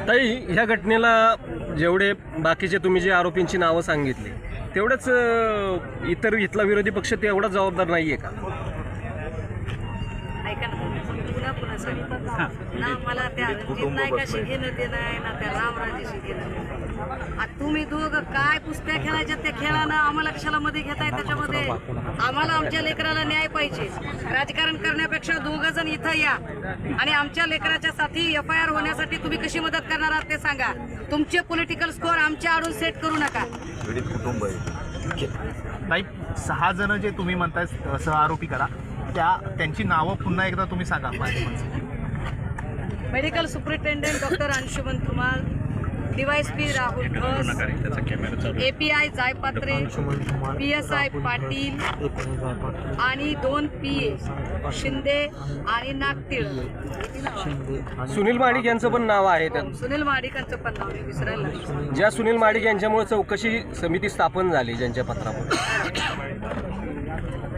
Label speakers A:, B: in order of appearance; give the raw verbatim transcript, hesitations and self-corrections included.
A: ताई, ह्या घटनेला जेवढे बाकीचे तुम्ही जे आरोपींची नावं सांगितली तेवढंच अ, इतर इथला विरोधी पक्ष तेवढा जबाबदार नाहीये का?
B: ऐका ना, पुन्हा पुन्हा सांगतो ना, मला त्या रणजित नायकाशी घेणं देणं आहे ना त्या रामराजेशी घेणं देणं आहे. आता तुम्ही दोघं काय कुस्त्या खेळायच्या त्या खेळानं आम्हाला कशाला मध्ये घेताय त्याच्यामध्ये? आम्हाला आमच्या लेकराला न्याय पाहिजे. राजकारण करण्यापेक्षा दोघं जण इथं या आणि आमच्या लेकराच्या साठी एफ आय आर होण्यासाठी तुम्ही कशी मदत करणार आहात ते सांगा. तुमचे पॉलिटिकल स्कोअर आमच्या आडून सेट करू नका.
C: नाही, सहा जण जे तुम्ही म्हणताय सह आरोपी करा, त्या त्यांची नावं पुन्हा एकदा तुम्ही सांगा.
B: Medical superintendent doctor Anshuman Dhumal, DYSP Rahul Ghosh, API Jaipatre, P S I Patil आणि दोन पी ए शिंदे आणि नागटिळ.
A: सुनील माडिक यांचं पण नाव आहे त्यात.
B: सुनील माडिकांचं पण नाव मी विसरायला लागले.
A: ज्या सुनील माडिक यांच्यामुळे चौकशी समिती स्थापन झाली ज्यांच्या पत्रामुळे,